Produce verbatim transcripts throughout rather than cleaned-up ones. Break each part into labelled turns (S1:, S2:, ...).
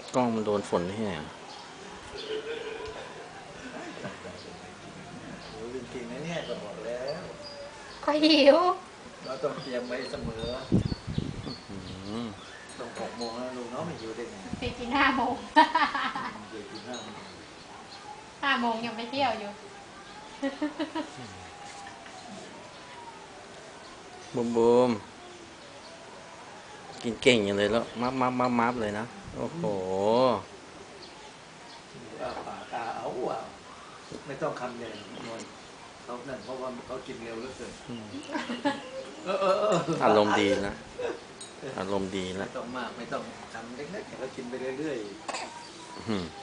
S1: กล้องมันโดนฝนที่ไหน
S2: โอ้จริงๆนะเนี่ยก็บอกแล้ว
S3: ก็หิว
S2: เราต้องเตรียมไว้เสมอต้องหกโมงแล้วลูกน้องไม่อยู่ได้ไง
S3: ไปกินห้าโมง
S2: เดี๋ยวกินห้าโมง
S3: ห้าโมงยังไปเที่ยวอยู่
S1: บูมบูมกินเก่งอย่างเลยแล้วมับมับมับมับเลยนะโอ้โห
S2: อาปากตาเอาอ่ะไม่ต้องคำใหญ่นวลเขานั่นเพราะว่าเขากินเร็วเหลือเกิน
S1: อารมณ์ดีนะอารมณ์ดีแล้
S2: วไม่ต้องมากไม่ต้องทำเล็กๆเขากินไปเรื่อยๆ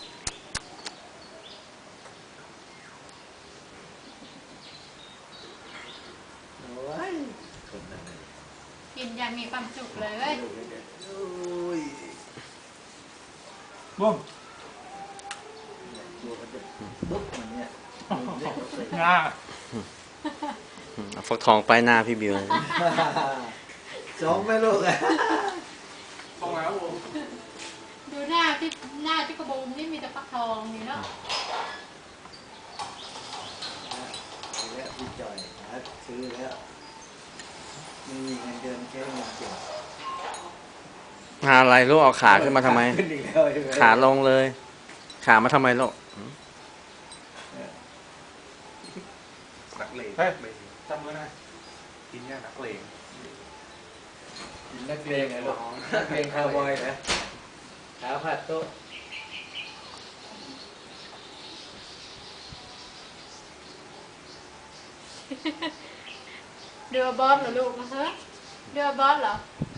S3: กินอย่างมีความสุขเลย
S4: บุ้ม
S2: บุ๊กเหมือนเนี่ย
S4: งา
S1: ฟักทองป้ายหน้าพี่บิว
S2: สองแม่ลูกอะ
S4: ทองแล้วบุ้ม
S3: ดูหน้าที่หน้าที่กระบุมนี่มีแต่ฟักทองนี่เนาะ
S2: แล้วพี่จอยหาซื้อแล้วไม่มีเงินเดือนแค่เงินเก็บ
S1: หาอะไรลูกเอาขาขึ้นมาทำไมขาลงเลย ขามาทำไมลูก
S4: นักเลงเฮ้ยจำไว้นะกินเนี่ยนักเลง
S2: กินนักเลงไงลูกนักเลงคาวบอยนะขาผัดโต๊ะ
S3: เรือบอสเหรอลูกนะฮะเรือบอสเหรอ